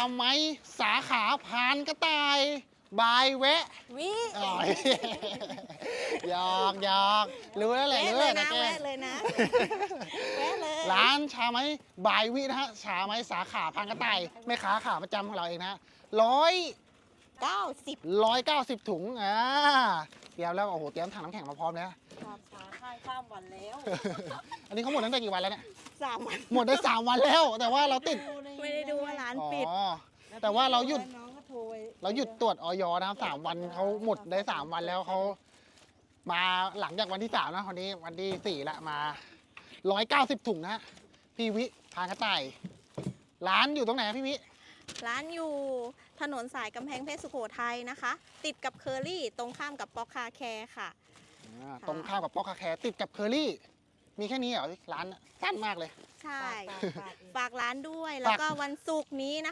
ไหมสาขาพานกระต่ายบายแวะวิอ๋อหยอกหยอกรู้แล้วแหละแวะรู้เลแล้ยว นะแกแวะเลยนะแวะเลยร้านชาไหมบายวินะฮะชาไหมสาขาพานกระต่ายแม่ค้าขาประจำของเราเองนะ190 ถุงเตรียมแล้วโอ้โหเตรียมถังน้ำแข็งมาพร้อมแล้วความช้าค่ายข้ามวันแล้วอันนี้เขาหมดตั้งแต่กี่วันแล้วเนี่ย 3 วันหมดได้3 วันแล้ว แต่ว่าเราติดไม่ได้ดูว่าร้านอ๋อปิดแต่ว่าเราหยุดน้องก็โทรไปเราหยุดตรวจออยนะครับ3 วันเขาหมดได้3 วันแล้วเขามาหลังจากวันที่3นะวันนี้วันที่4ละมา190 ถุงนะพี่วิพานกระต่ายร้านอยู่ตรงไหนพี่วิร้านอยู่ถนนสายกำแพงเพชรสุโขทัยนะคะ ติดกับเคอรี่ตรงข้ามกับป๊อกคาแคร์ค่ะตรงข้ามกับป๊อกคาแคร์ติดกับเคอรี่ มีแค่นี้เหรอร้านสั้นมากเลยใช่ฝากเองฝากร้านด้วย แล้วก็วันศุกร์นี้นะคะ